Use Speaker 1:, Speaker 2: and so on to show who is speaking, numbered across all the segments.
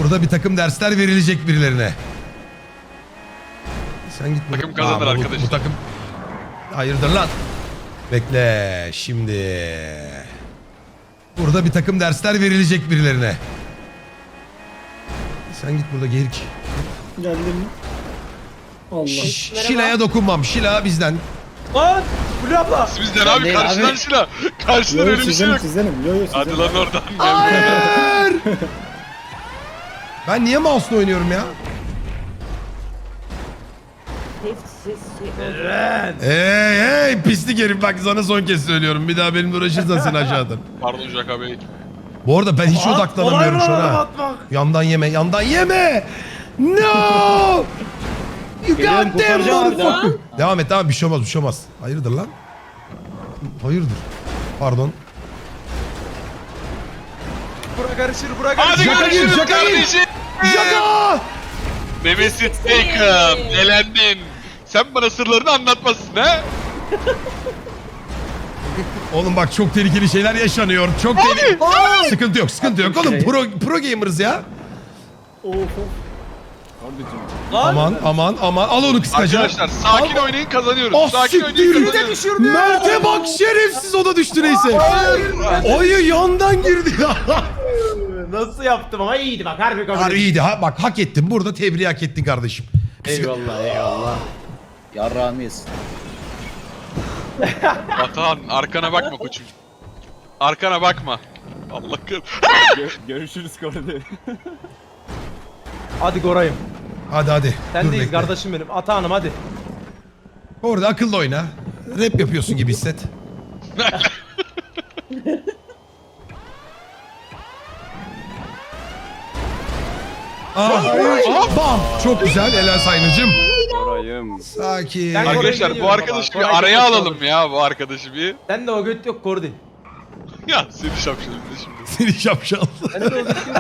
Speaker 1: Burada bir takım dersler verilecek birilerine. Sen git.
Speaker 2: Takım kazanır arkadaşlar.
Speaker 1: Bu takım... Hayırdır lan? Bekle şimdi. Burada bir takım dersler verilecek birilerine. Sen git burada gerik.
Speaker 3: Geldim. Allah.
Speaker 1: Şila'ya dokunmam. Şila bizden.
Speaker 4: Lan! Fulya abla!
Speaker 2: Bizden abi
Speaker 3: değil
Speaker 2: karşıdan
Speaker 3: abi.
Speaker 2: Şila. Karşıdan öyle bir şey yok.
Speaker 3: Sizdenim. Yo yo
Speaker 2: Hadi
Speaker 3: sizdenim.
Speaker 2: lan oradan.
Speaker 1: Hayır! Ben niye mouse'la oynuyorum ya? Hey pislik herif, bak sana son kez söylüyorum. Bir daha benimle uğraşırsan seni aşağıdan.
Speaker 2: Pardon Jaka Bey.
Speaker 1: Bu arada ben hiç odaklanamıyorum şu an
Speaker 4: Kolay mı
Speaker 1: ha.
Speaker 4: atmak?
Speaker 1: Yandan yeme, yandan yeme! No! You
Speaker 3: Geliyorum,
Speaker 1: goddamn
Speaker 3: kurtaracağım abi
Speaker 1: motherfucker! Devam et, tamam, bir şey olmaz, bir şey olmaz. Hayırdır lan? Hayırdır? Pardon.
Speaker 4: Bura karışır, bura
Speaker 2: Hadi
Speaker 4: karışır.
Speaker 1: Jaka gir,
Speaker 2: görüşürüz
Speaker 1: Jaka gir.
Speaker 2: kardeşim.
Speaker 1: Jaka!
Speaker 2: Nemesis Taken. Elendin. Sen bana sırlarını anlatmasın ha?
Speaker 1: Oğlum bak çok tehlikeli şeyler yaşanıyor. Çok tehlikeli. Sıkıntı yok, sıkıntı yok. Oğlum pro gamer'ız ya.
Speaker 3: Of.
Speaker 1: Aman aman aman, al onu kıskaca.
Speaker 2: Arkadaşlar sakin oynayın kazanıyoruz.
Speaker 1: Ah
Speaker 2: Sakin oynayın
Speaker 1: siktir.
Speaker 2: kazanıyoruz.
Speaker 1: Mert'e bak, şerefsiz, o da düştü neyse. Oyu yandan girdi.
Speaker 4: Nasıl yaptım ama iyiydi bak harbi kabul
Speaker 1: Harbi
Speaker 4: edeyim.
Speaker 1: iyiydi ha, bak hak ettin. Burada tebriği hak ettin kardeşim.
Speaker 4: Eyvallah eyvallah.
Speaker 3: Yarrağımıyız.
Speaker 2: Batuhan arkana bakma koçum. Arkana bakma. Allah kır.
Speaker 5: Görüşürüz Koreli.
Speaker 4: Hadi Goray'ım.
Speaker 1: Hadi hadi.
Speaker 4: Sen
Speaker 1: Dur
Speaker 4: değil
Speaker 1: bekle.
Speaker 4: kardeşim benim. Atahanım hadi.
Speaker 1: Orada akıllı oyna. Rap yapıyorsun gibi hisset. Bam. Çok güzel. Helal Sayınıcım.
Speaker 5: Koray'ım.
Speaker 1: Sakin.
Speaker 4: Ben-
Speaker 2: Arkadaşlar bu
Speaker 4: geliyorum
Speaker 2: arkadaşı
Speaker 4: baba.
Speaker 2: bir
Speaker 4: Koray
Speaker 2: araya
Speaker 4: geliyor.
Speaker 2: alalım ya bu arkadaşı bir.
Speaker 4: Sen de o göt yok Kordi.
Speaker 2: Ya seni şapşalım da şimdi.
Speaker 1: Seni şapşal.
Speaker 4: Sen de o göt yok.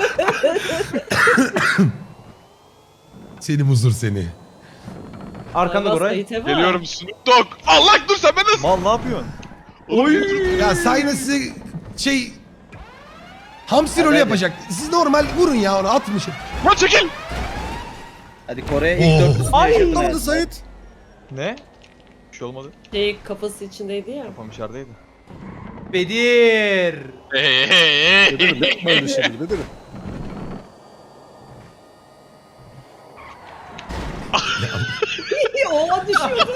Speaker 1: Seni muzur seni.
Speaker 4: Arkanda Goray.
Speaker 2: Geliyorum Snoop Dogg. Allah dur sen ben nasıl?
Speaker 5: Mal ne yapıyorsun?
Speaker 1: Ya Sayın size şey... Hamsi rolü
Speaker 3: hadi.
Speaker 1: yapacak. Siz normal vurun ya onu, atın şey.
Speaker 2: Lan çekil.
Speaker 3: Hadi Kore'ye ilk
Speaker 1: Oo.
Speaker 3: 400
Speaker 4: Ay,
Speaker 3: yaşadın
Speaker 4: ne
Speaker 3: ya.
Speaker 4: oldu
Speaker 1: Sait?
Speaker 5: Ne? Bir şey olmadı.
Speaker 6: Şey kafası içindeydi ya.
Speaker 5: Kafam içerideydi.
Speaker 4: Bedir.
Speaker 2: Hey.
Speaker 3: Yapma öyle şey Bedir'im.
Speaker 6: O düşüyordu.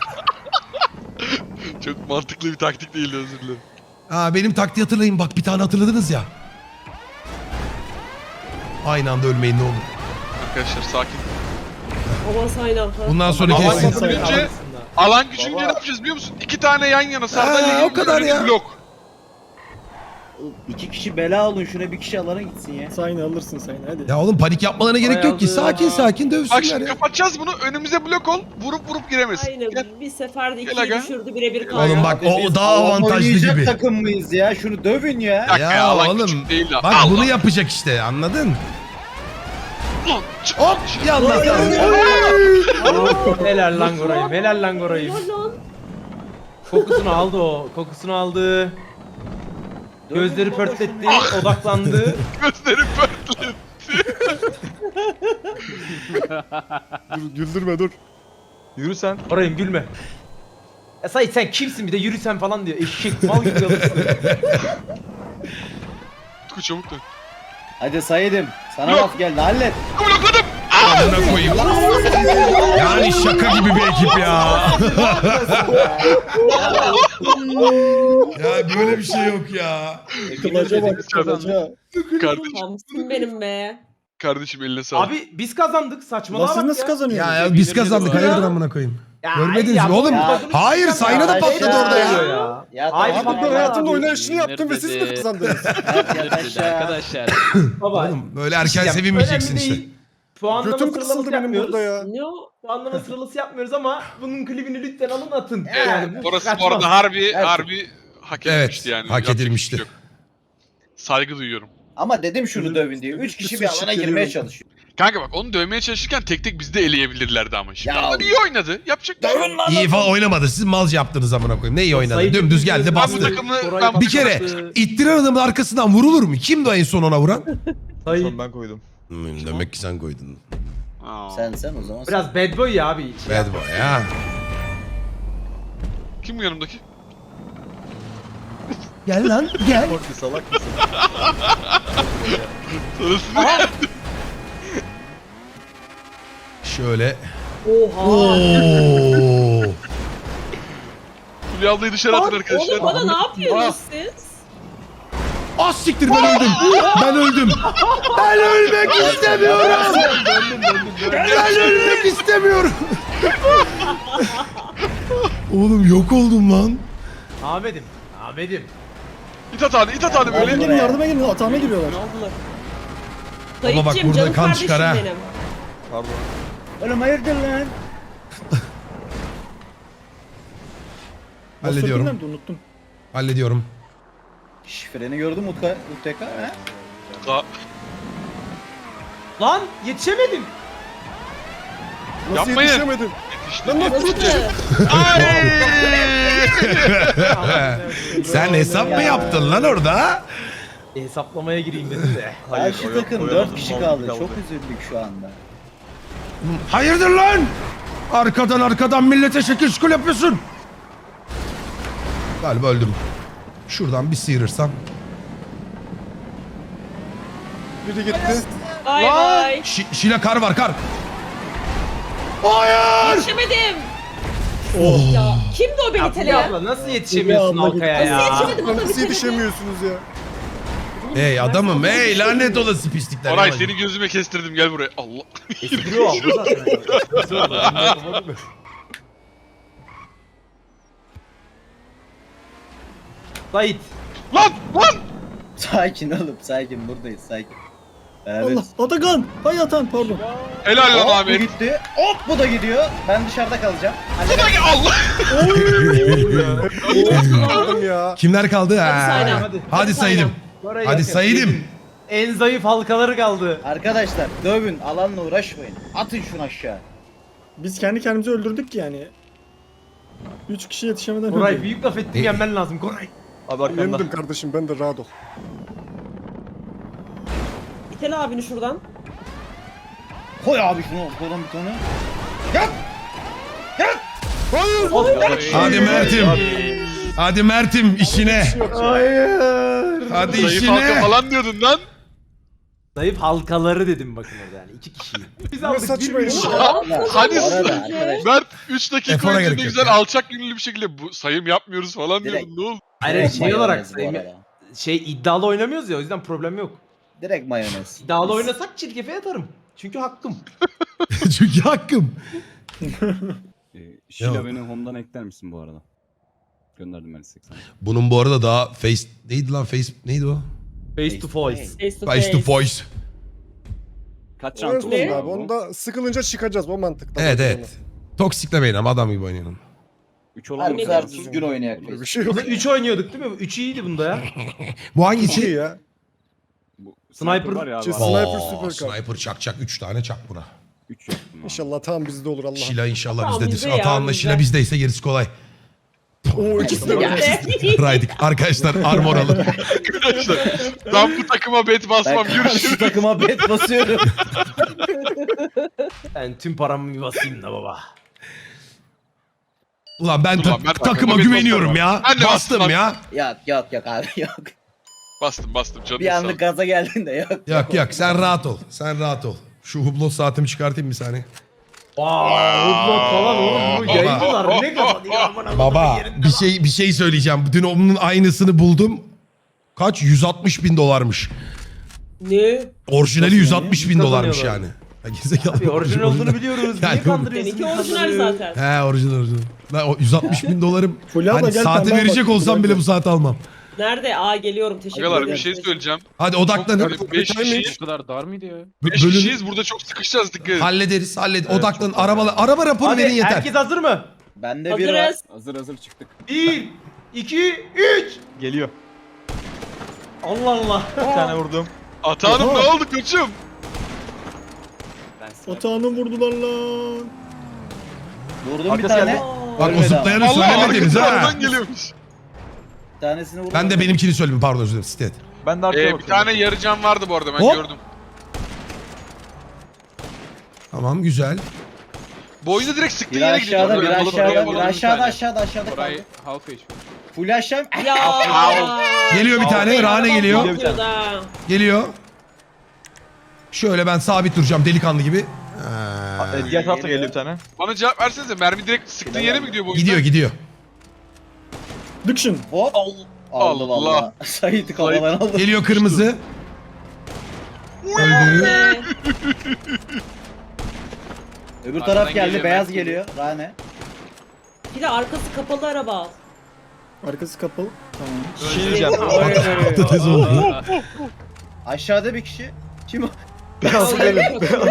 Speaker 2: Çok mantıklı bir taktik değildi, özür dilerim.
Speaker 1: Aa, benim taktiği hatırlayın, bak bir tane hatırladınız ya. Aynı anda ölmeyin ne olur.
Speaker 2: Arkadaşlar sakin.
Speaker 6: Aman sayın
Speaker 1: Bundan sonraki
Speaker 2: Aman
Speaker 1: kesin.
Speaker 2: Allah'ım. Önce- Alan gücünce ne yapacağız biliyor musun? 2 tane yan yana sandalye
Speaker 1: o kadar
Speaker 2: önümüz
Speaker 1: ya.
Speaker 2: blok.
Speaker 7: 2 kişi bela olun şuna bir kişi alana gitsin ya.
Speaker 3: Sayın alırsın sayın hadi.
Speaker 1: Ya oğlum panik yapmalarına gerek yok ki.
Speaker 4: Ayağını-
Speaker 1: Sakin sakin
Speaker 2: Bak
Speaker 1: dövsünler
Speaker 2: şimdi
Speaker 1: ya.
Speaker 2: kapatacağız bunu, önümüze blok ol, vurup giremesin.
Speaker 6: Aynen
Speaker 2: Gel.
Speaker 6: bir seferde
Speaker 2: Gel
Speaker 6: ikiyi
Speaker 2: aga.
Speaker 6: düşürdü birebir kaldı.
Speaker 1: Oğlum bak o
Speaker 7: Biz
Speaker 1: daha
Speaker 7: alan
Speaker 1: avantajlı
Speaker 7: oynayacak
Speaker 1: gibi.
Speaker 7: takım mıyız ya? Şunu dövün ya.
Speaker 2: Bir dakika
Speaker 1: Ya
Speaker 2: alan
Speaker 1: oğlum
Speaker 2: küçük değil de.
Speaker 1: bak
Speaker 2: Allah.
Speaker 1: bunu yapacak işte, anladın?
Speaker 2: Lan, çık.
Speaker 1: Hop yallah.
Speaker 4: Helal lan Goray'ım. Helal lan Goray'ım.
Speaker 6: Helal lan.
Speaker 4: Kokusunu aldı o. Kokusunu aldı. Gözleri pörtletti. Odaklandı.
Speaker 2: Gözlerim pörtledi.
Speaker 5: Güldürme dur. Yürü sen.
Speaker 4: Goray'ım gülme. Ya Sait sen kimsin bir de yürüsen falan diyor. Eşek mal gibi alırsın.
Speaker 2: Tutku çabuk dön.
Speaker 7: Hadi Said'im. Sana
Speaker 2: Yok.
Speaker 7: laf geldi hallet.
Speaker 2: Blokladım.
Speaker 1: Amına koyayım. Yani şaka gibi bir ekip ya. Ya böyle bir şey yok ya.
Speaker 3: Kılaca bak kılaca.
Speaker 6: Hamsın benim be.
Speaker 2: Kardeşim eline sağlık.
Speaker 4: Abi biz kazandık saçmalama
Speaker 3: Nasıl
Speaker 4: bak
Speaker 3: nasıl
Speaker 4: ya.
Speaker 3: kazanıyorsunuz?
Speaker 1: Ya biz kazandık, hayırdır amına koyayım.
Speaker 4: Ya,
Speaker 1: Görmediniz
Speaker 4: ya,
Speaker 1: mi oğlum?
Speaker 4: ya,
Speaker 1: Hayır, Sayın'a da
Speaker 7: ya,
Speaker 1: patladı
Speaker 7: ya.
Speaker 1: orada ya.
Speaker 7: Ya
Speaker 4: Hayır,
Speaker 7: tamam,
Speaker 3: Abi ben
Speaker 4: Tamam,
Speaker 3: hayatımda
Speaker 4: abi.
Speaker 3: oynayışını yaptım ve siz de kazandınız.
Speaker 7: Yat aşağı.
Speaker 5: Arkadaşlar.
Speaker 4: Baba.
Speaker 1: Oğlum böyle erken
Speaker 4: Ya,
Speaker 1: sevinmeyeceksin
Speaker 4: önemli
Speaker 1: işte.
Speaker 4: değil. Puanlama
Speaker 3: Götüm
Speaker 4: sıralaması
Speaker 3: kısıldı benim
Speaker 4: yapmıyoruz.
Speaker 3: burada ya.
Speaker 6: Ne o?
Speaker 4: Puanlama sıralaması yapmıyoruz ama bunun klibini lütfen alın atın.
Speaker 2: Evet,
Speaker 4: bu
Speaker 2: orası
Speaker 4: kaçmaz.
Speaker 2: bu arada harbi
Speaker 7: Evet.
Speaker 2: hak
Speaker 1: Evet,
Speaker 2: edilmişti yani.
Speaker 1: hak
Speaker 2: Yapacak bir
Speaker 1: edilmişti.
Speaker 2: şey yok. Saygı duyuyorum.
Speaker 7: Ama dedim şunu dövün diye. 3 kişi bir alana girmeye çalışıyor.
Speaker 2: Kanka bak onu dövmeye çalışırken tek tek bizi de eleyebilirlerdi ama. Şimdi
Speaker 7: Ya.
Speaker 2: adam iyi oynadı. Yapacak bir şey yok.
Speaker 1: İyi falan oynamadı. Siz mal yaptınız amına koyayım. Ne iyi oynadı?
Speaker 4: Sayın
Speaker 1: Dümdüz geldi
Speaker 4: Türkiye-
Speaker 2: Ben bu
Speaker 1: bastı.
Speaker 2: takımı
Speaker 4: Koray
Speaker 2: ben bu
Speaker 1: Bir kere
Speaker 2: takımı-
Speaker 1: ittiren adamın arkasından vurulur mu? Kimdi o en son ona vuran?
Speaker 4: Sayın
Speaker 5: Son ben koydum.
Speaker 1: Demek ki sen koydun.
Speaker 2: Aa.
Speaker 7: Sen o zaman.
Speaker 4: Biraz bad boy ya abi.
Speaker 1: Bad boy ya.
Speaker 2: Kim bu yanımdaki?
Speaker 1: Gel lan gel.
Speaker 5: Korku salak mısın?
Speaker 2: Sonrasında
Speaker 1: Şöyle.
Speaker 6: Oha.
Speaker 1: Oo.
Speaker 2: Fulya ablayı dışarı atın arkadaşlar.
Speaker 6: Oğlum bana ne yapıyorsunuz siz?
Speaker 1: Az siktir ben öldüm. Ben öldüm. Ben ölmek istemiyorum. Ben ölmek istemiyorum. Oğlum yok oldum lan.
Speaker 4: Ahmet'im. Ahmet'im.
Speaker 2: İt atağını
Speaker 3: Yardıma
Speaker 2: böyle.
Speaker 3: gelin yardıma gelin. Atağıma giriyorlar.
Speaker 1: Baba bak
Speaker 6: Dayıcım
Speaker 1: burada
Speaker 6: canım
Speaker 1: kan
Speaker 6: kardeşim
Speaker 1: çıkar ha.
Speaker 6: benim.
Speaker 5: Pardon.
Speaker 7: Oğlum hayırdır lan?
Speaker 1: Hallediyorum.
Speaker 3: Nerede unuttum.
Speaker 1: Hallediyorum.
Speaker 7: Freni gördün mü UTK? He?
Speaker 4: Lan yetişemedim.
Speaker 3: Nasıl
Speaker 2: Yapmayın.
Speaker 3: yetişemedim?
Speaker 2: Yetişti.
Speaker 1: Sen hesap mı yaptın lan orada?
Speaker 4: Hesaplamaya gireyim dedim de.
Speaker 7: Karşı takım 4 kişi kaldı. Çok üzüldük şu anda.
Speaker 1: Hayırdır lan? Arkadan millete şekil şukul yapıyorsun. Galiba öldüm. Şuradan bir sıyırırsam.
Speaker 3: Biri gitti.
Speaker 6: Bay bay.
Speaker 1: Şile kar var kar. Hayır.
Speaker 6: Yetişemedim.
Speaker 1: Oh.
Speaker 6: Ya kimdi o beni
Speaker 4: Ya Fulya
Speaker 6: teleyen?
Speaker 4: abla nasıl yetişemiyorsun
Speaker 3: Fulya abla
Speaker 4: Halkaya
Speaker 3: gitti.
Speaker 4: ya?
Speaker 6: Yetişemedim
Speaker 3: Lan
Speaker 6: o da
Speaker 3: nasıl
Speaker 6: bir
Speaker 3: yetişemiyorsunuz ya?
Speaker 1: Hey adamım hey lanet olası pislikler.
Speaker 2: Oray
Speaker 1: Yavaş.
Speaker 2: seni gözüme kestirdim gel buraya. Allah.
Speaker 4: Espriyor abla zaten. Sait.
Speaker 2: Lan!
Speaker 7: Sakin oğlum sakin buradayız sakin. Evet.
Speaker 3: Allah Atakan. Hay Atan pardon.
Speaker 2: Helal lan
Speaker 7: Hop bu
Speaker 2: Ahmet.
Speaker 7: gitti. Hop bu da gidiyor. Ben dışarıda kalacağım.
Speaker 2: Allah!
Speaker 3: Aldım ya.
Speaker 1: Kimler kaldı? Ha.
Speaker 6: Saydım.
Speaker 4: Hadi.
Speaker 1: Hadi saydım.
Speaker 4: Oraya
Speaker 1: Hadi
Speaker 4: yakın.
Speaker 1: saydım.
Speaker 4: En zayıf halkaları kaldı.
Speaker 7: Arkadaşlar dövün alanla uğraşmayın. Atın şunu aşağı.
Speaker 3: Biz kendi kendimizi öldürdük ki yani. 3 kişi yetişemeden
Speaker 4: Koray
Speaker 3: öldük.
Speaker 4: büyük laf ettin yenmen lazım Koray.
Speaker 5: Abi arkanda.
Speaker 3: Yendim kardeşim ben de rahat ol.
Speaker 6: İtele abini şuradan.
Speaker 7: Koy abi şunu kolun bir tane.
Speaker 1: Hadi Mert'im. Hadi Mert'im işine.
Speaker 4: Hayır.
Speaker 1: Hadi
Speaker 2: Zayıf halka
Speaker 1: işine.
Speaker 2: falan diyordun lan.
Speaker 4: Zayıf halkaları dedim bakın orada yani 2 kişiyi. Biz
Speaker 3: Ne
Speaker 4: aldık
Speaker 3: saçma
Speaker 4: 1
Speaker 3: iş
Speaker 4: milyon.
Speaker 3: ya.
Speaker 2: Hadi
Speaker 7: Bu arada arkadaşlar.
Speaker 2: Mert 3 dakika
Speaker 1: Efora
Speaker 2: önce
Speaker 1: gerek
Speaker 2: ne
Speaker 1: yok
Speaker 2: güzel
Speaker 1: ya.
Speaker 2: alçak gönüllü bir şekilde bu sayım yapmıyoruz falan
Speaker 7: Direkt.
Speaker 2: diyordun ne oldu?
Speaker 4: Hayır
Speaker 7: Direkt
Speaker 4: şey olarak
Speaker 7: mayonez bu
Speaker 4: sayayım.
Speaker 7: arada.
Speaker 4: Şey iddialı oynamıyoruz ya o yüzden problem yok.
Speaker 7: Direkt mayonez.
Speaker 4: İddialı oynasak çirkefe yatarım. Çünkü hakkım.
Speaker 1: Çünkü hakkım.
Speaker 8: Şila
Speaker 1: Yok.
Speaker 8: beni home'dan ekler misin bu arada? Gönderdim ben 80.
Speaker 1: Bunun bu arada daha face neydi lan face neydi o?
Speaker 4: Face to face.
Speaker 6: Face to
Speaker 1: Face to
Speaker 6: face.
Speaker 1: voice.
Speaker 8: Kaç
Speaker 3: O
Speaker 8: şans
Speaker 3: yazmadım
Speaker 8: oldu
Speaker 3: abi. Onda sıkılınca çıkacağız o mantıkta.
Speaker 1: Evet evet. Toksiklemeyin ama adam gibi oynayalım.
Speaker 8: 3 olan
Speaker 7: Harbi
Speaker 8: mı?
Speaker 7: kadar düzgün oynayak
Speaker 3: Böyle bir
Speaker 7: biz.
Speaker 3: şey yok.
Speaker 4: Bunu 3 oynuyorduk değil mi? 3 iyiydi bunda ya.
Speaker 1: Bu
Speaker 3: İyi
Speaker 1: hangisi?
Speaker 3: ya.
Speaker 8: Bu
Speaker 4: Sniper
Speaker 8: var ya abi.
Speaker 3: Çiz-
Speaker 8: Oo.
Speaker 3: Sniper
Speaker 1: Oo,
Speaker 3: süper kar.
Speaker 1: Sniper çak 3 tane çak buna.
Speaker 8: 3 yaptım abi.
Speaker 3: İnşallah tam bizde olur Allah.
Speaker 1: Şila inşallah
Speaker 6: Tamam,
Speaker 1: bizdedir.
Speaker 6: bizde ya,
Speaker 1: Atağınla
Speaker 6: bizde.
Speaker 1: Şila bizdeyse gerisi kolay.
Speaker 3: Oo ikisi de var.
Speaker 1: Raydik. Arkadaşlar armor alın.
Speaker 2: Arkadaşlar ben bu takıma bet
Speaker 7: Ben
Speaker 2: basmam
Speaker 7: karşı
Speaker 2: görüşürüz.
Speaker 7: takıma bet basıyorum.
Speaker 4: Ben tüm paramı bir basayım da baba.
Speaker 1: Ulan ben
Speaker 2: Ulan ben
Speaker 1: takıma
Speaker 2: bet
Speaker 1: güveniyorum
Speaker 2: basmam.
Speaker 1: ya.
Speaker 2: Ben de
Speaker 1: Bastım
Speaker 2: bastım
Speaker 1: ya.
Speaker 7: Yok abi yok.
Speaker 2: Bastım canım
Speaker 7: Bir
Speaker 2: sağ ol.
Speaker 7: anlık gaza geldin de yok.
Speaker 1: Yok sen rahat ol. Sen rahat ol. Şu hublot saatimi çıkartayım bir saniye.
Speaker 4: Woodlock falan oğlum bu
Speaker 1: Baba.
Speaker 4: yayıncılar ne kafa diyor aman
Speaker 1: Baba bir şey söyleyeceğim. Dün onun aynısını buldum. Kaç? 160 bin dolarmış.
Speaker 6: Ne?
Speaker 1: Orijinali 160 bin
Speaker 4: Kazanıyorlar.
Speaker 1: dolarmış yani. Ya gerizekalı.
Speaker 4: Abi orijinal olduğunu biliyoruz.
Speaker 1: Yani-
Speaker 4: Niye kandırıyorsun?
Speaker 6: Seninki orijinal
Speaker 4: insanları?
Speaker 6: zaten.
Speaker 1: He orijinal. Lan o 160 bin dolarım.
Speaker 3: Fulya abla
Speaker 1: Hani
Speaker 3: gel,
Speaker 1: saati
Speaker 3: pembe
Speaker 1: verecek
Speaker 3: bak,
Speaker 1: olsam
Speaker 3: Fulya
Speaker 1: bile
Speaker 3: abla.
Speaker 1: bu saati almam.
Speaker 6: Nerede? Aa geliyorum teşekkür ederim.
Speaker 2: Agalar bir şey söyleyeceğim.
Speaker 1: Hadi odaklanın.
Speaker 2: Çok- 5 kişiyiz.
Speaker 5: kadar dar mıydı ya?
Speaker 2: 5
Speaker 1: Bölün-
Speaker 2: kişiyiz burada çok sıkışacağız dikkat edin.
Speaker 1: Hallederiz. Odaklanın. Araba raporu
Speaker 4: Hadi
Speaker 1: verin yeter.
Speaker 4: herkes hazır mı?
Speaker 7: Bende bir var.
Speaker 6: Hazırız.
Speaker 8: Hazır çıktık.
Speaker 4: 1, 2, 3.
Speaker 5: Geliyor.
Speaker 4: Allah Allah.
Speaker 5: Bir tane vurdum.
Speaker 2: Atanım
Speaker 3: Oha.
Speaker 2: ne oldu koçum?
Speaker 3: Atağını vurdular lan.
Speaker 7: Vurdum bir
Speaker 5: Arkası
Speaker 7: tane.
Speaker 5: geldi.
Speaker 1: Bak o
Speaker 7: Ölmedi
Speaker 1: zıplayanı
Speaker 2: Allah
Speaker 1: söylemediniz
Speaker 2: arkası
Speaker 1: ha.
Speaker 2: aradan geliyormuş.
Speaker 7: Bir tanesini vurdum.
Speaker 1: Ben de benimkini söyleyeyim pardon özür dilerim. Stet.
Speaker 5: Ben de arkaya
Speaker 2: Bir
Speaker 5: bakıyorum.
Speaker 2: tane yarı can vardı bu arada ben
Speaker 1: Hop.
Speaker 2: gördüm.
Speaker 1: Tamam güzel.
Speaker 2: Bu oyunda direkt sıktığın
Speaker 7: Bir
Speaker 2: yere gidiyor.
Speaker 7: aşağıda, bir
Speaker 2: Oraya
Speaker 7: aşağıda,
Speaker 2: alalım,
Speaker 7: bir
Speaker 2: alalım
Speaker 7: aşağıda,
Speaker 2: tane.
Speaker 7: aşağıda
Speaker 5: Orayı
Speaker 7: kaldı.
Speaker 5: half HP.
Speaker 7: Full aşağı.
Speaker 6: Ya.
Speaker 1: Geliyor bir tane. Rane geliyor.
Speaker 6: Patladı ha.
Speaker 1: Geliyor. Şöyle ben sabit duracağım delikanlı gibi.
Speaker 5: Diğer tarafta geliyor bir tane.
Speaker 2: Bana cevap versenize. Mermi direkt sıktığın yere mi gidiyor bu oyunda?
Speaker 1: Gidiyor.
Speaker 3: Diction.
Speaker 7: Hop. Aldı
Speaker 2: Allah.
Speaker 7: valla. Sait'i kafadan aldı.
Speaker 1: Geliyor kırmızı. Öldü.
Speaker 6: Ee,
Speaker 7: Öbür
Speaker 2: Arkadan
Speaker 7: taraf geldi,
Speaker 2: geliyor,
Speaker 7: beyaz
Speaker 2: ben
Speaker 7: geliyor. Rane.
Speaker 6: Bir de arkası kapalı araba.
Speaker 3: Arkası kapalı. Tamam.
Speaker 5: Bir şey diyeceğim.
Speaker 1: Patates oldu.
Speaker 7: Aşağıda bir kişi. Kim o?
Speaker 5: Nasıl geliyor?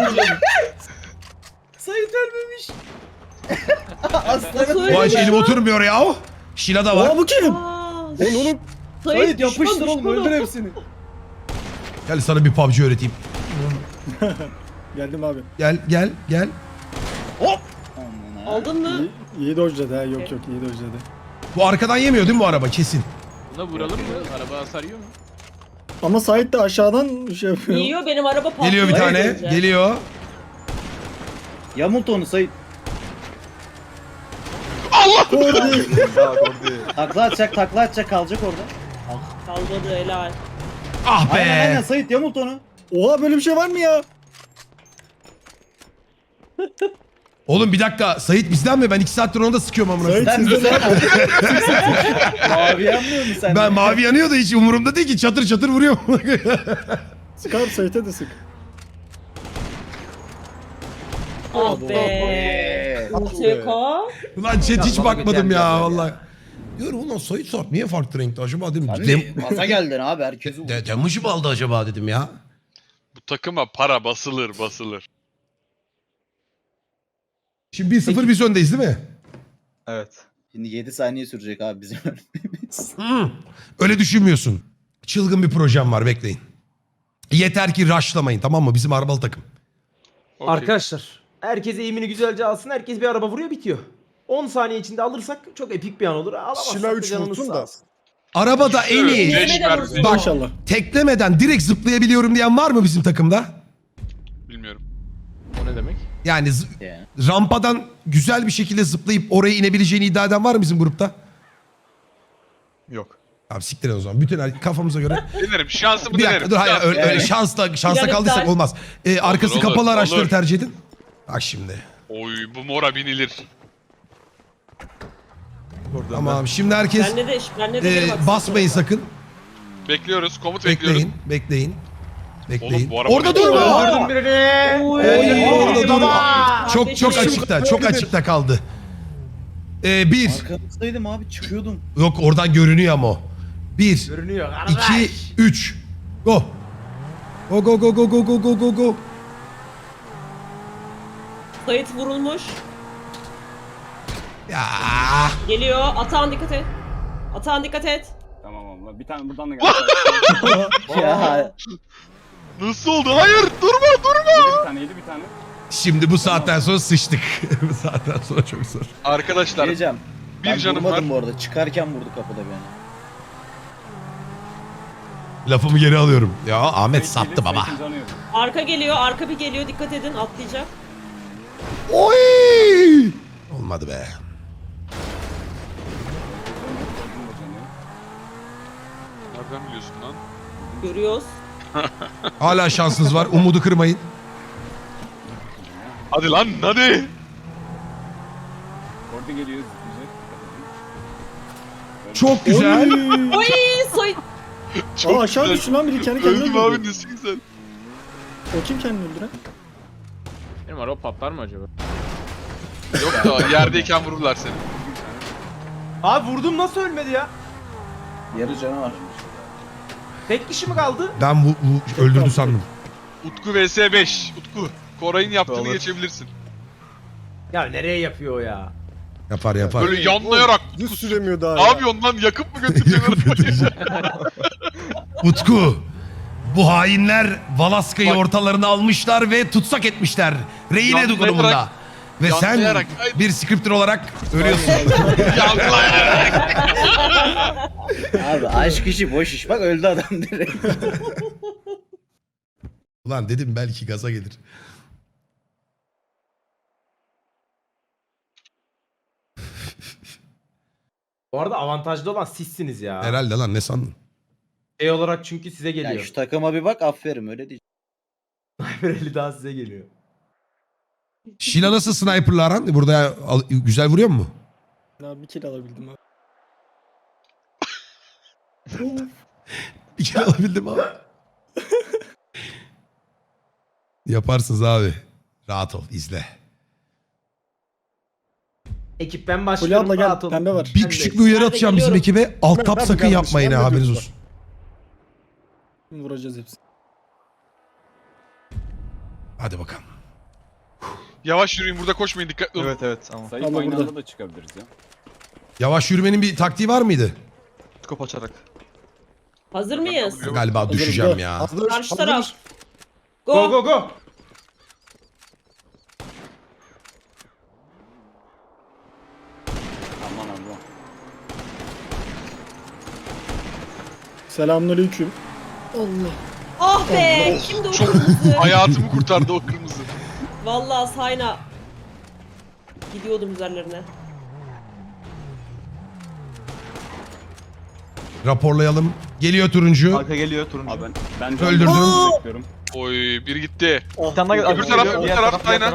Speaker 7: Sait ölmemiş. Aslanım.
Speaker 1: Bu aç elim oturmuyor ya. Şila da var.
Speaker 3: Aa bu kim?
Speaker 6: Aa,
Speaker 3: Oğlum.
Speaker 7: Sait yapıştır
Speaker 6: düşman,
Speaker 7: oğlum,
Speaker 6: düşman.
Speaker 7: öldür hepsini.
Speaker 1: Gel sana bir PUBG öğreteyim.
Speaker 3: Geldim abi.
Speaker 1: Gel.
Speaker 7: Hop. Aman ha.
Speaker 6: Aldın mı?
Speaker 3: İyi dojladı ha. Yok iyi dojladı.
Speaker 1: Bu arkadan yemiyor değil mi bu araba kesin?
Speaker 5: Buna vuralım mı? Araba hasar yiyor mu?
Speaker 3: Ama Sait de aşağıdan şey yapıyor.
Speaker 6: Yiyor benim araba patlıyor.
Speaker 1: Geliyor bir tane.
Speaker 6: Önce.
Speaker 1: Geliyor.
Speaker 7: Yamult onu Sait.
Speaker 3: Kordi.
Speaker 5: Daha kordi.
Speaker 7: Takla atacak kalacak orada.
Speaker 6: Kalmadı helal.
Speaker 1: Ah
Speaker 7: Aynen
Speaker 1: be.
Speaker 7: Sait yamult onu.
Speaker 3: Oha böyle bir şey var mı ya?
Speaker 1: Oğlum bir dakika. Sait bizden mi? Ben 2 saattir onu da sıkıyorum amına.
Speaker 3: Sait
Speaker 7: Sen
Speaker 3: sizde
Speaker 7: güzel.
Speaker 3: ne?
Speaker 7: Mavi yanmıyor mu sen?
Speaker 1: Ben mavi yanıyor da hiç umurumda değil ki. Çatır çatır vuruyor.
Speaker 3: Sık abi Sait'e de sık.
Speaker 6: Ah be. Seko.
Speaker 1: Ulan chat hiç
Speaker 4: bana
Speaker 1: bakmadım
Speaker 4: geçen
Speaker 1: ya
Speaker 4: bir
Speaker 1: vallahi. Diyorum ulan Sait Sarp niye farklı renkte acaba dedim.
Speaker 7: Abi masa geldin abi, herkesi vurdu.
Speaker 1: Damage'ı mı aldı acaba dedim ya.
Speaker 2: Bu takıma para basılır.
Speaker 1: Şimdi 1-0 biz öndeyiz değil mi?
Speaker 5: Evet.
Speaker 7: Şimdi 7 saniye sürecek abi bizim ölmemiz.
Speaker 1: Öyle düşünmüyorsun. Çılgın bir projem var bekleyin. Yeter ki rushlamayın tamam mı? Bizim arabalı takım.
Speaker 2: Okey.
Speaker 4: Arkadaşlar herkes eğimini güzelce alsın. Herkes bir araba vuruyor bitiyor. 10 saniye içinde alırsak çok epik bir an olur. Alamazsak
Speaker 3: Şila
Speaker 4: da
Speaker 3: 3
Speaker 4: canımız
Speaker 3: vursun
Speaker 4: sağ
Speaker 3: da.
Speaker 4: olsun.
Speaker 1: Arabada en iyi
Speaker 2: Beş versin.
Speaker 1: Bak.
Speaker 3: İnşallah.
Speaker 1: teklemeden direkt zıplayabiliyorum diyen var mı bizim takımda?
Speaker 2: Bilmiyorum.
Speaker 5: O ne demek?
Speaker 1: Yani
Speaker 7: Yani.
Speaker 1: rampadan güzel bir şekilde zıplayıp oraya inebileceğini iddia eden var mı bizim grupta?
Speaker 5: Yok.
Speaker 1: Abi siktir o zaman. Bütün kafamıza göre.
Speaker 2: Denerim. Şansımı
Speaker 1: Bir
Speaker 2: denerim.
Speaker 1: dakika dur hayır öyle,
Speaker 7: Yani.
Speaker 1: öyle şansla
Speaker 6: Bilal'im
Speaker 1: kaldıysak
Speaker 6: sen-
Speaker 1: olmaz. Arkası
Speaker 2: olur,
Speaker 1: kapalı
Speaker 2: olur.
Speaker 1: araçları tercih edin. Bak şimdi.
Speaker 2: Oy bu mora binilir.
Speaker 5: Oradan
Speaker 1: Tamam şimdi herkes
Speaker 6: Bende de biri bak.
Speaker 1: basmayın sakın.
Speaker 2: Bekliyoruz. Komut bekliyoruz.
Speaker 1: Bekleyin. Bekleyin.
Speaker 2: Oğlum, bu araba
Speaker 1: Orada
Speaker 2: ne?
Speaker 1: durma.
Speaker 4: Öldürdüm birini.
Speaker 1: Orada durma. Çok
Speaker 6: Kardeşim.
Speaker 1: çok açıkta kaldı. Bir.
Speaker 7: Arkamızdaydım abi, çıkıyordum.
Speaker 1: Yok oradan görünüyor ama o. Bir.
Speaker 4: Görünüyor.
Speaker 1: 2, 3. Go. Go.
Speaker 6: Sait vurulmuş.
Speaker 1: Ya.
Speaker 6: Geliyor. Atağın dikkat et. Atağın dikkat et.
Speaker 8: Tamam abla. Bir tane buradan da geldi.
Speaker 7: Ya
Speaker 2: Nasıl oldu? Hayır durma.
Speaker 8: Yedi bir tane.
Speaker 1: Şimdi bu saatten sonra sıçtık. Bu saatten sonra çok zor.
Speaker 2: Arkadaşlar
Speaker 7: diyeceğim.
Speaker 2: bir
Speaker 7: Ben
Speaker 2: canım
Speaker 7: vurmadım
Speaker 2: var.
Speaker 7: bu arada. Çıkarken vurdu kapıda beni.
Speaker 1: Lafımı geri alıyorum. Ya Ahmet sattı baba.
Speaker 6: Arka geliyor. Arka bir geliyor. Dikkat edin. Atlayacak.
Speaker 1: Oy! Olmadı be.
Speaker 2: Nereden biliyorsun lan?
Speaker 6: Görüyoruz.
Speaker 1: Hala şansınız var. Umudu kırmayın.
Speaker 2: Hadi lan hadi.
Speaker 8: Orada geliyor. Güzel.
Speaker 1: Çok güzel.
Speaker 6: Oy Sait.
Speaker 3: Aa aşağı düştü lan biri kendi kendine
Speaker 2: Öldüm
Speaker 3: öldürdü.
Speaker 2: abi nesi güzel.
Speaker 3: O kim kendini öldüren?
Speaker 5: Benim araba patlar mı acaba?
Speaker 2: Yok da yerdeyken vururlar seni.
Speaker 4: Abi vurdum nasıl ölmedi ya?
Speaker 7: Yarı canı var.
Speaker 4: Tek kişi mi kaldı?
Speaker 1: Ben bu öldürdü sandım.
Speaker 2: Utku vs 5. Utku. Koray'ın yaptığını
Speaker 5: Olur.
Speaker 2: geçebilirsin.
Speaker 4: Ya nereye yapıyor o ya?
Speaker 1: Yapar.
Speaker 2: Böyle yanlayarak.
Speaker 3: Düz süremiyor daha
Speaker 2: Ne yapıyorsun lan? Yakıp mı götüreceksin?
Speaker 1: Utku. Bu hainler Valaska'yı
Speaker 2: Bak.
Speaker 1: ortalarına almışlar ve tutsak etmişler. Rehine
Speaker 2: Yanlayarak-
Speaker 1: durumunda. Ve sen
Speaker 2: yanlayarak-
Speaker 1: bir scripter olarak ölüyorsun.
Speaker 2: Yanlayarak.
Speaker 7: Abi aşk işi boş iş. Bak öldü adam direkt.
Speaker 1: Ulan dedim belki gaza gelir.
Speaker 4: Bu arada avantajlı olan sizsiniz ya.
Speaker 1: Herhalde lan ne sandın?
Speaker 4: Şey olarak çünkü size
Speaker 7: Yani
Speaker 4: geliyor.
Speaker 7: şu takıma bir bak aferin öyle diyeceğim.
Speaker 4: Sniper daha size geliyor.
Speaker 1: Şila nasıl sniper'la aran? Burada güzel vuruyor mu?
Speaker 3: Daha bir kill alabildim abi.
Speaker 1: Bir kere alabildim abi. Yaparsınız abi. Rahat ol izle.
Speaker 4: Ekip ben
Speaker 3: Fulya
Speaker 4: başlıyorum.
Speaker 3: abla gel,
Speaker 4: rahat olun.
Speaker 3: pembe var.
Speaker 1: Bir
Speaker 4: Ben
Speaker 1: küçük
Speaker 4: de-
Speaker 1: bir uyarı
Speaker 6: Ben de
Speaker 1: atacağım bizim
Speaker 6: geliyorum.
Speaker 1: ekibe. Alt tab
Speaker 3: Ben de
Speaker 1: sakın
Speaker 3: kardeşim,
Speaker 1: yapmayın
Speaker 3: ben
Speaker 1: ha
Speaker 3: de
Speaker 1: haberiniz
Speaker 3: göz var.
Speaker 1: olsun.
Speaker 3: Vuracağız hepsini.
Speaker 1: Hadi bakalım.
Speaker 2: Yavaş yürüyün burada koşmayın dikkatli olun.
Speaker 5: Evet evet tamam.
Speaker 8: Sayıp
Speaker 3: Ama
Speaker 8: aynı
Speaker 3: burada.
Speaker 8: anda da çıkabiliriz ya.
Speaker 1: Yavaş yürümenin bir taktiği var mıydı?
Speaker 5: Skop açarak.
Speaker 6: Hazır mıyız?
Speaker 1: Galiba düşeceğim ya.
Speaker 3: Hazır,
Speaker 6: Karşı
Speaker 3: hazır.
Speaker 6: taraf.
Speaker 4: Go go go.
Speaker 8: Aman Allah.
Speaker 3: Selamünaleyküm. Allah.
Speaker 6: Ah be! Şimdi o kırmızı.
Speaker 2: Hayatımı kurtardı o kırmızı.
Speaker 6: Vallahi sayna. Gidiyordum üzerlerine.
Speaker 1: Raporlayalım. Geliyor turuncu.
Speaker 5: Arka geliyor turuncu.
Speaker 8: Abi ben
Speaker 1: Öldürdüm.
Speaker 8: bekliyorum.
Speaker 2: Oy biri gitti.
Speaker 5: Bir tane daha
Speaker 2: Öbür taraf, öbür taraf, aynen.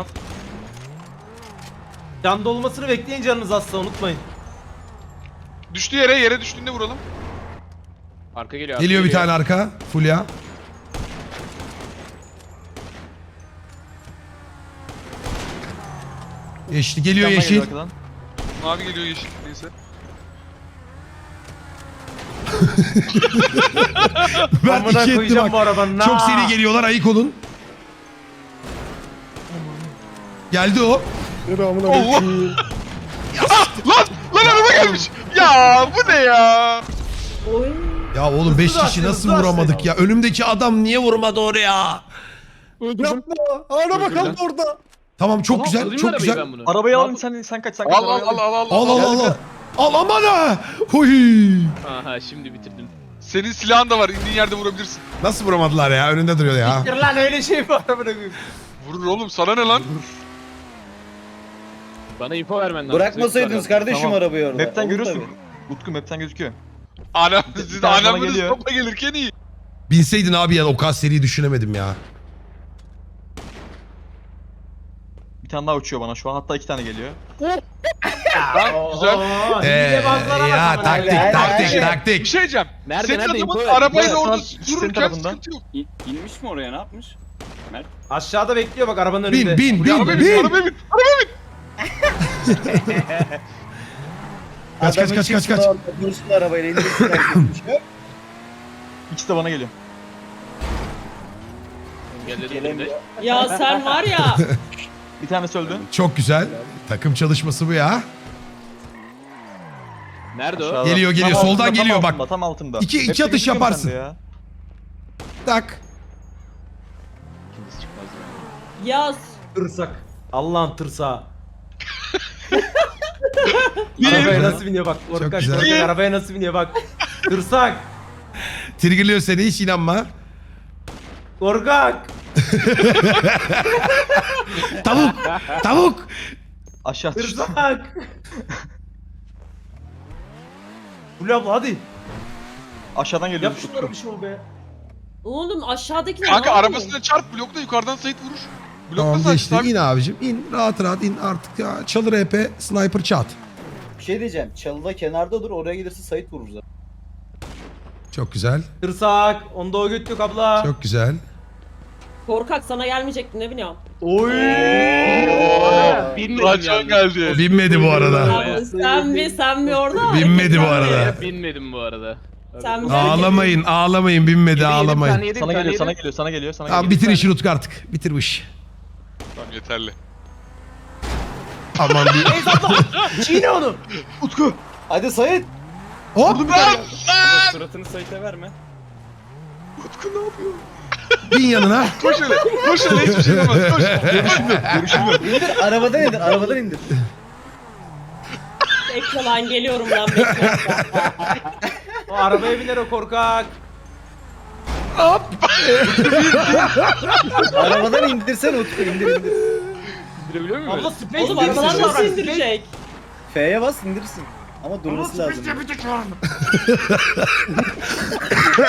Speaker 4: Can dolmasını bekleyin canınız azsa unutmayın.
Speaker 2: Düştü yere düştüğünde vuralım.
Speaker 5: Arka geliyor.
Speaker 1: Geliyor bir tane arka. Fulya. Yeşil geliyor yeşil.
Speaker 2: Mavi geliyor yeşil neyse.
Speaker 1: Ben
Speaker 4: Amına
Speaker 1: iki ettim
Speaker 4: koyacağım
Speaker 1: bak.
Speaker 4: bu arabanın.
Speaker 1: Çok seri geliyorlar ayık olun. Geldi o.
Speaker 3: Selamünaleyküm.
Speaker 2: Lan araba gelmiş. Ya bu ne ya?
Speaker 6: Oy.
Speaker 1: Ya oğlum 5
Speaker 4: Hızlı
Speaker 1: kişi
Speaker 4: açtı,
Speaker 1: nasıl
Speaker 4: hızlı
Speaker 1: vuramadık
Speaker 4: açtı.
Speaker 1: ya? Önümdeki adam niye vurmadı oraya?
Speaker 3: Yapma. Araba kaldı orada.
Speaker 1: Tamam çok
Speaker 5: Tamam,
Speaker 1: güzel.
Speaker 5: alayım
Speaker 1: Çok
Speaker 5: arabayı
Speaker 1: güzel.
Speaker 5: ben bunu.
Speaker 9: Arabayı al sen kaç sen kaç.
Speaker 2: Al
Speaker 9: arabayı
Speaker 2: al
Speaker 1: Al al al. Al aman ha. Huy.
Speaker 5: Aha şimdi bitirdim.
Speaker 2: Senin silahın da var. İndiğin yerde vurabilirsin.
Speaker 1: Nasıl vuramadılar ya? Önünde duruyor ya.
Speaker 4: Siktir lan öyle şey mi var amına koyayım?
Speaker 2: Vurur oğlum sana ne lan?
Speaker 5: Bana info vermen lazım.
Speaker 7: Bırakmasaydınız kardeşim
Speaker 9: Tamam.
Speaker 7: arabayı orada.
Speaker 9: Map'ten
Speaker 7: Olur
Speaker 9: görüyorsun.
Speaker 7: tabii.
Speaker 9: Utku map'ten gözüküyor.
Speaker 2: Anam
Speaker 9: Bir
Speaker 2: siz
Speaker 9: tane bana
Speaker 2: anamınız
Speaker 9: geliyor.
Speaker 2: topla gelirken iyi.
Speaker 1: Binseydin abi ya o kadar seriyi düşünemedim ya.
Speaker 9: Bir tane daha uçuyor bana şu an hatta 2 tane geliyor.
Speaker 2: Tamam güzel.
Speaker 4: Oo, hilebazlara bak
Speaker 1: Ya
Speaker 4: amına
Speaker 1: taktik
Speaker 4: koyayım.
Speaker 1: taktik
Speaker 7: Helal.
Speaker 2: Bir
Speaker 1: taktik.
Speaker 2: şey diyeceğim.
Speaker 5: Nerede,
Speaker 2: Senin
Speaker 5: nerede?
Speaker 2: adamın
Speaker 5: İnfo ver,
Speaker 2: arabayla
Speaker 5: info ver.
Speaker 2: orada
Speaker 9: Senin
Speaker 2: dururken
Speaker 9: tarafından.
Speaker 2: sıkıntı yok.
Speaker 8: İnmiş mi oraya ne yapmış? Mert.
Speaker 4: Aşağıda bekliyor bak arabanın önünde.
Speaker 1: Bin bin
Speaker 2: Buraya arabaya bin,
Speaker 1: bin bin.
Speaker 2: arabaya bin.
Speaker 1: Kaç, kaç,
Speaker 7: Adamın
Speaker 1: kaç, kaç,
Speaker 7: çıksın
Speaker 1: kaç.
Speaker 7: orada, dursun arabayla indirsin herkes.
Speaker 9: İkisi de bana geliyor.
Speaker 5: Engelledim
Speaker 7: Gelemiyor.
Speaker 5: şimdi.
Speaker 6: Ya sen var ya.
Speaker 9: Bir tanesi öldü.
Speaker 1: Çok güzel. Takım çalışması bu ya.
Speaker 5: Nerede o?
Speaker 9: Aşağıda.
Speaker 1: Geliyor, geliyor.
Speaker 9: Tam
Speaker 1: Soldan
Speaker 9: altında,
Speaker 1: geliyor
Speaker 9: tam
Speaker 1: bak.
Speaker 9: altında, tam altında.
Speaker 1: İki
Speaker 9: Map'te
Speaker 1: atış
Speaker 9: gözüküyor mu
Speaker 1: yaparsın.
Speaker 9: sende ya?
Speaker 1: Tak.
Speaker 5: İkincisi çıkmaz ya.
Speaker 6: Yaz.
Speaker 4: Tırsak. Allah'ın tırsağı. Arabaya nasıl biniyor bak. Korkak
Speaker 1: güzel.
Speaker 4: korkak arabaya nasıl biniyor bak. Tırsak.
Speaker 1: Triggerlıyor seni hiç inanma.
Speaker 4: Korkak.
Speaker 1: Tavuk. Tavuk.
Speaker 9: Aşağı düştü.
Speaker 4: Tırsak. Fulya abla hadi.
Speaker 9: Aşağıdan geliyor.
Speaker 4: Yap şunları bir şey ol be.
Speaker 6: Oğlum aşağıdakiler
Speaker 2: Kanka
Speaker 6: ne yapıyor?
Speaker 2: arabasına çarp blokla yukarıdan Sait vurur. Blokla
Speaker 1: Tamam
Speaker 2: Sait.
Speaker 1: geçti. İn abicim. İn. Rahat rahat in artık ya. Çalır EP. Sniper çat.
Speaker 7: Bir şey diyeceğim. Çalıda kenarda dur oraya gelirse Sait vurur zaten.
Speaker 1: Çok güzel.
Speaker 4: Tırsak. Onda o göt yok abla.
Speaker 1: Çok güzel.
Speaker 6: Korkak sana gelmeyecekti ne bileyim.
Speaker 4: Oy.
Speaker 5: Binmedim
Speaker 2: Raçan
Speaker 5: yalnız.
Speaker 2: geldi.
Speaker 1: Binmedi bu arada.
Speaker 6: Ya, sen mi orada?
Speaker 1: Binmedi bu
Speaker 6: Sen mi?
Speaker 1: arada.
Speaker 5: Binmedim bu arada.
Speaker 6: Sen mi?
Speaker 1: Ağlamayın. Ağlamayın. Binmedi.
Speaker 5: Yedim,
Speaker 1: Ağlamayın.
Speaker 5: tane yedim,
Speaker 9: Sana
Speaker 5: tane
Speaker 9: geliyor, sana
Speaker 5: yedim.
Speaker 9: geliyor, sana geliyor, sana
Speaker 1: Tamam
Speaker 9: geliyor.
Speaker 1: bitir işi Utku artık. Bitir bu işi.
Speaker 2: Tamam yeterli.
Speaker 1: Aman bir.
Speaker 4: Çiğne onu.
Speaker 7: Hadi Sait.
Speaker 1: Hop.
Speaker 8: Suratını Sait'e verme.
Speaker 1: Bin yanına.
Speaker 2: Koş öyle. Koş öyle hiçbir şey yapamaz. Koş.
Speaker 7: İndir arabadan indir arabadan indir.
Speaker 6: Bekle lan geliyorum lan bekle.
Speaker 4: O arabaya biner o korkak.
Speaker 7: Arabadan indirsen Utku indir indir.
Speaker 5: İndirebiliyor muyum?
Speaker 4: Abla space
Speaker 6: Oğlum
Speaker 4: bar
Speaker 6: arabadan
Speaker 4: space
Speaker 6: nasıl
Speaker 4: bar,
Speaker 6: indirecek?
Speaker 7: F'ye bas indirsin. Ama durması lazım.